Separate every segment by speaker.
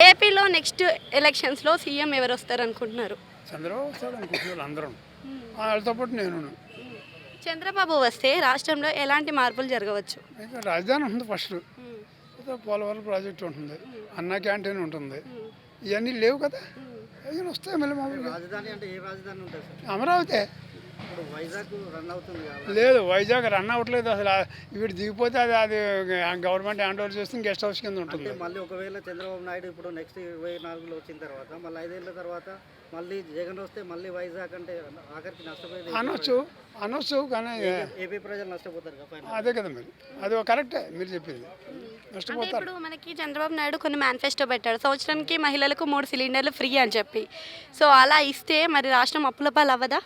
Speaker 1: ఏపీలో నెక్స్ట్ ఎలక్షన్స్లో సీఎం ఎవరు వస్తారు అనుకుంటున్నారు?
Speaker 2: చంద్రబాబు వస్తాడు అనుకుంటున్నారు అందరం. వాళ్ళతో పాటు నేను.
Speaker 1: చంద్రబాబు వస్తే రాష్ట్రంలో ఎలాంటి మార్పులు జరగవచ్చు?
Speaker 2: అయితే రాజధాని ఉంటుంది ఫస్ట్, పోలవరం ప్రాజెక్ట్ ఉంటుంది, అన్నా క్యాంటీన్ ఉంటుంది, ఇవన్నీ లేవు కదా. ఇవన్నీ వస్తాయి మళ్ళీ మామూలుగా.
Speaker 3: రాజధాని అంటే ఏ రాజధాని ఉంటుంది సార్?
Speaker 2: అమరావతి
Speaker 3: ఇప్పుడు వైజాగ్ రన్ అవుతుంది కదా.
Speaker 2: లేదు, వైజాగ్ రన్ అవ్వట్లేదు అసలు. వీడు దిగిపోతే అది గవర్నమెంట్ హ్యాండ్ ఓవర్ చేస్తే గెస్ట్ హౌస్ కింద ఉంటుంది.
Speaker 3: అంటే మళ్ళీ ఒకవేళ చంద్రబాబు నాయుడు ఇప్పుడు నెక్స్ట్ 24లో వచ్చిన తర్వాత మళ్ళీ 5 ఏళ్ళ తర్వాత మళ్ళీ జగన్ వస్తే మళ్ళీ వైజాగ్ అంటే ఆఖరికి నష్టపోయేది
Speaker 2: అనొచ్చు కానీ
Speaker 3: ఏపీ ప్రజలు నష్టపోతారు కదా.
Speaker 2: అదే కదా మరి, అది కరెక్టే మీరు చెప్పింది,
Speaker 1: అంటే
Speaker 2: నష్టపోతారు.
Speaker 1: ఇప్పుడు మనకి చంద్రబాబు నాయుడు కొన్ని మేనిఫెస్టో పెట్టాడు, సంవత్సరానికి మహిళలకు 3 సిలిండర్లు ఫ్రీ అని చెప్పి. సో అలా ఇస్తే మరి రాష్ట్రం అప్పుల పాలు అవ్వదా?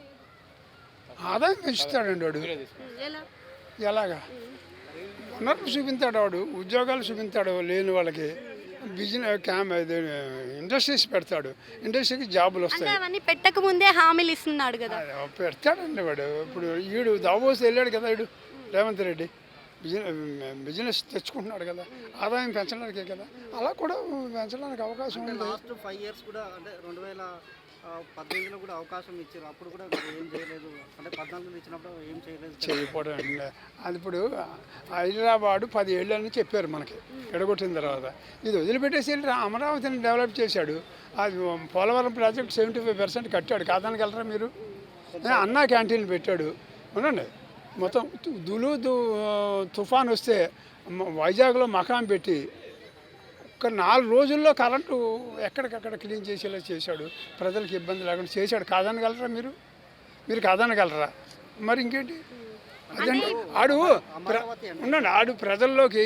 Speaker 2: ఆదాయం పెంచుతాడండి వాడు. ఎలాగా వనరులు చూపించాడు వాడు, ఉద్యోగాలు చూపించాడు లేని వాళ్ళకి, బిజినెస్ ఇండస్ట్రీస్ పెడతాడు, ఇండస్ట్రీకి జాబులు
Speaker 1: అంటే
Speaker 2: వస్తాయి.
Speaker 1: అవన్నీ పెట్టక ముందే హామీలు ఇస్తున్నాడు కదా.
Speaker 2: పెడతాడండి వాడు. ఇప్పుడు వీడు దావోస్ వెళ్ళాడు కదా, వీడు రేవంత్ రెడ్డి బిజినెస్ తెచ్చుకుంటున్నాడు కదా, ఆదాయం పెంచడానికే కదా. అలా కూడా పెంచడానికి అవకాశం ఉంది.
Speaker 3: లాస్ట్ 5 ఇయర్స్ కూడా అంటే 2018లో కూడా అవకాశం ఇచ్చారు, అప్పుడు కూడా ఏం చేయలేదు. అంటే 14 ఇచ్చినప్పుడు ఏం చేయలేదు.
Speaker 2: చేయకపోవడం అండి. అది ఇప్పుడు హైదరాబాదు 10 ఏళ్ళని చెప్పారు మనకి ఎడగొట్టిన తర్వాత. ఇది వదిలిపెట్టేసి వెళ్ళి అమరావతిని డెవలప్ చేశాడు. అది పోలవరం ప్రాజెక్ట్ 75% కట్టాడు, కాదనగలరా మీరు? అన్నా క్యాంటీన్లు పెట్టాడు. అవునండి, మొత్తం తుఫాన్ వస్తే వైజాగ్లో మకాం పెట్టి ఒక 4 రోజుల్లో కరెంటు ఎక్కడికక్కడ క్లీన్ చేసేలా చేశాడు, ప్రజలకు ఇబ్బంది లేకుండా చేశాడు. కాదనగలరా మీరు కాదనగలరా? మరి ఇంకేంటి? అదండి ఆడు ప్రజల్లోకి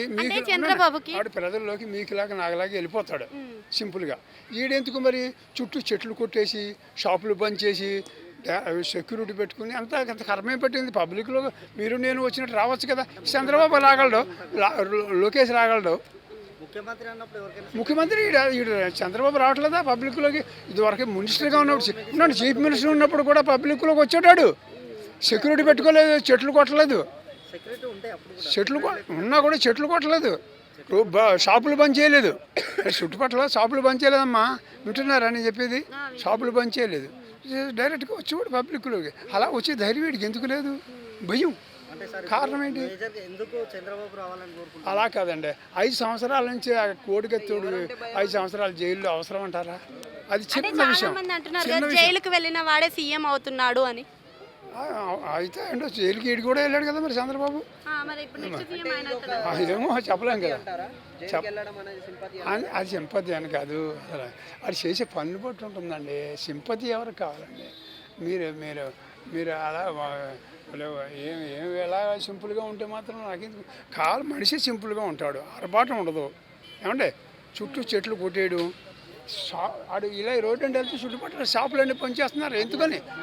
Speaker 2: మీకులాగా నాకులాగా వెళ్ళిపోతాడు సింపుల్గా. ఈడెందుకు మరి చుట్టూ చెట్లు కొట్టేసి షాపులు బంద్ చేసి సెక్యూరిటీ పెట్టుకుని అంత కర్మే పెట్టింది. పబ్లిక్లో మీరు నేను వచ్చినట్టు రావచ్చు కదా. చంద్రబాబు రాగలడు, లోకేష్ రాగలడు, ముఖ్యమంత్రి చంద్రబాబు రావట్లేదా పబ్లిక్లోకి? ఇదివరకు మినిస్టర్గా ఉన్నప్పుడు చీఫ్ మినిస్టర్ ఉన్నప్పుడు కూడా పబ్లిక్లోకి వచ్చాడు. సెక్యూరిటీ పెట్టుకోలేదు, చెట్లు కొట్టలేదు, చెట్లు ఉన్నా కూడా చెట్లు కొట్టలేదు, షాపులు బంద్ చేయలేదు. చుట్టుపక్కల షాపులు బంద్ చేయలేదమ్మా, వింటున్నారా అని చెప్పేది? షాపులు బంద్ చేయలేదు, డైరెక్ట్గా వచ్చి కూడా పబ్లిక్లోకి. అలా వచ్చే ధైర్యం వీడికి ఎందుకు లేదు? భయం. కారణం ఏంటి? అలా కాదండి, 5 సంవత్సరాల నుంచి ఆ కోడికత్తోడు 5 సంవత్సరాలు జైల్లో అవసరం అంటారా? అది చిన్న విషయం.
Speaker 1: జైలుకు వెళ్ళిన వాడే సీఎం అవుతున్నాడు అని
Speaker 2: అయితే అండి, జైలుకి ఈడు కూడా వెళ్ళాడు కదా మరి చంద్రబాబు. ఏమో చెప్పలేం కదా. అది సింపతి అని కాదు, అసలు అది చేసే పనులు బట్టి ఉంటుందండి. సింపతి ఎవరికి కావాలండి? మీరు అలా ఎలా సింపుల్గా ఉంటే మాత్రం నాకెందుకు కావాలి. మనిషి సింపుల్గా ఉంటాడు, ఆర్భాటం ఉండదు. ఏమంటే చుట్టూ చెట్లు కొట్టేయడం, ఆడు ఇలా రోడ్డు అంటే వెళ్తే చుట్టుపక్కల షాపులన్నీ పనిచేస్తున్నారు ఎందుకని?